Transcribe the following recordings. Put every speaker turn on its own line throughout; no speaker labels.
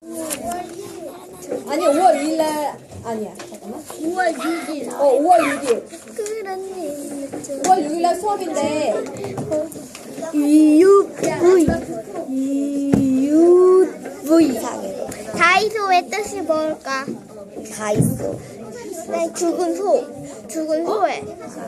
아니 5월 2일 날 아니야. 잠깐만.
5월 6일.
5월 6일.
그런 일
5월 6일 날 수업인데
EUV. 다이소의 뜻이 뭘까?
다이소.
네, 죽은 소. 죽은 소에.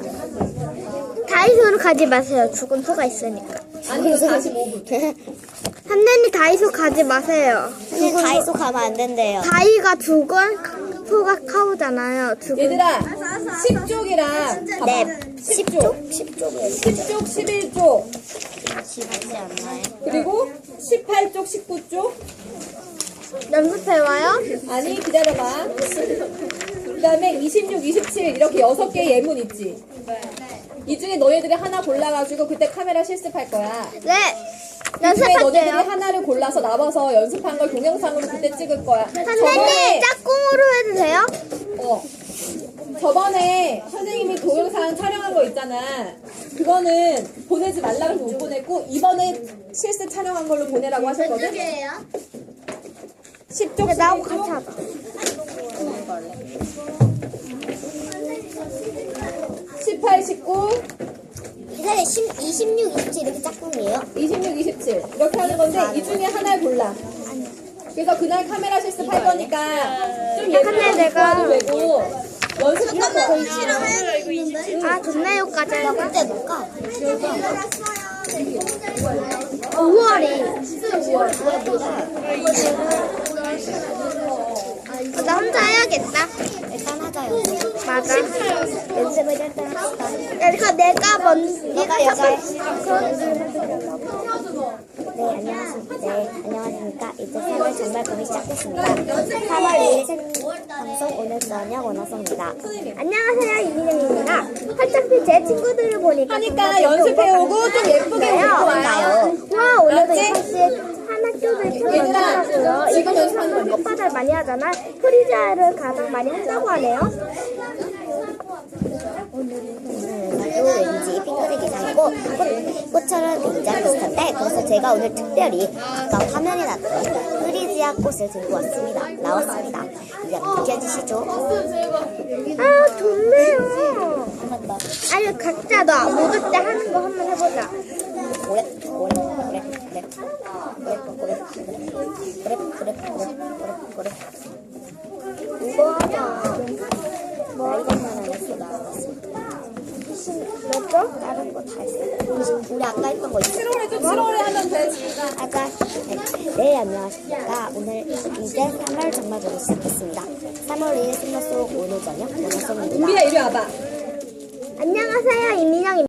다이소를 가지 마세요. 죽은 소가 있으니까.
아니 이거 45분.
선생님 다이소 가지 마세요.
근데 다이소 가면 안 된대요.
다이가 죽은 소가 카우잖아요. 죽은.
얘들아 10쪽이랑
네.
10쪽 10쪽 11쪽
지지 않나요?
그리고 18쪽 19쪽
연습해와요?
아니 기다려봐. 그 다음에 26, 27 이렇게 6개의 예문 있지. 이 중에 너희들이 하나 골라가지고 그때 카메라 실습할 거야.
네.
이 중에 너희들이
연습할게요.
하나를 골라서 나와서 연습한 걸 동영상으로 그때 찍을 거야.
선생님 짝꿍으로 해도 돼요?
저번에 선생님이 동영상 촬영한 거 있잖아. 그거는 보내지 말라고 해서 못 보냈고 이번에 실습 촬영한 걸로 보내라고 하셨거든. 10쪽
나하고 같이
11쪽
하자.
18, 19
이사님 26, 27 이렇게 짝꿍이에요?
26, 27 이렇게 하는 건데 이 중에 하나를 골라. 그래서 그날 카메라 실습할 거니까 좀 예쁘게
내가-
입고 외고 연습하고
아, 좋네요까지
나
할까?
그때 볼까?
5월이. 나 혼자 해야겠다.
일단 하자요.
맞아.
연습을 일단 합시다.
그러니까 내가
내가 여자.
그럼
네, 안녕하십니까. 이제 3월 정말 봄이 시작됐습니다. 3월 2일 생방송 오늘 저녁 원화송입니다.
안녕하세요, 이민영입니다. 어차피 제 친구들을 보니까
하니까 연습해오고 좀 예쁘게 입고 와요.
와, 오늘도
알았지?
6시에 하나 쪽을
얘들아,
켜놨더라고요.
지금
이거
연습하는
연습하는
거지?
꽃바다를 많이 하잖아. 프리자를 가장 많이 한다고 하네요.
오늘도 왠지 핑크색 기상이고 꽃처럼 굉장히 비슷한데 그래서 제가 오늘 특별히 아까 화면에 났던 프리지아 꽃을 들고 왔습니다. 나왔습니다. 이제 느껴지시죠?
아, 좋네요.
한 번 더.
아니, 각자 너 모두 때 하는 거 한번 해보자.
그래. 이거 하자. 뭐 이것만 안 했어.
뭐죠?
다른 거 다 했어. 우리 아까 했던 거 있어.
트롤에 좀 트롤에 하면 돼.
아까 네 안녕하십니까. 오늘 이제 3월 정말 보기 시작했습니다. 3월 2일 승마 속 오늘 저녁 원화송입니다.
은비야 이리 와봐.
안녕하세요, 이민영입니다.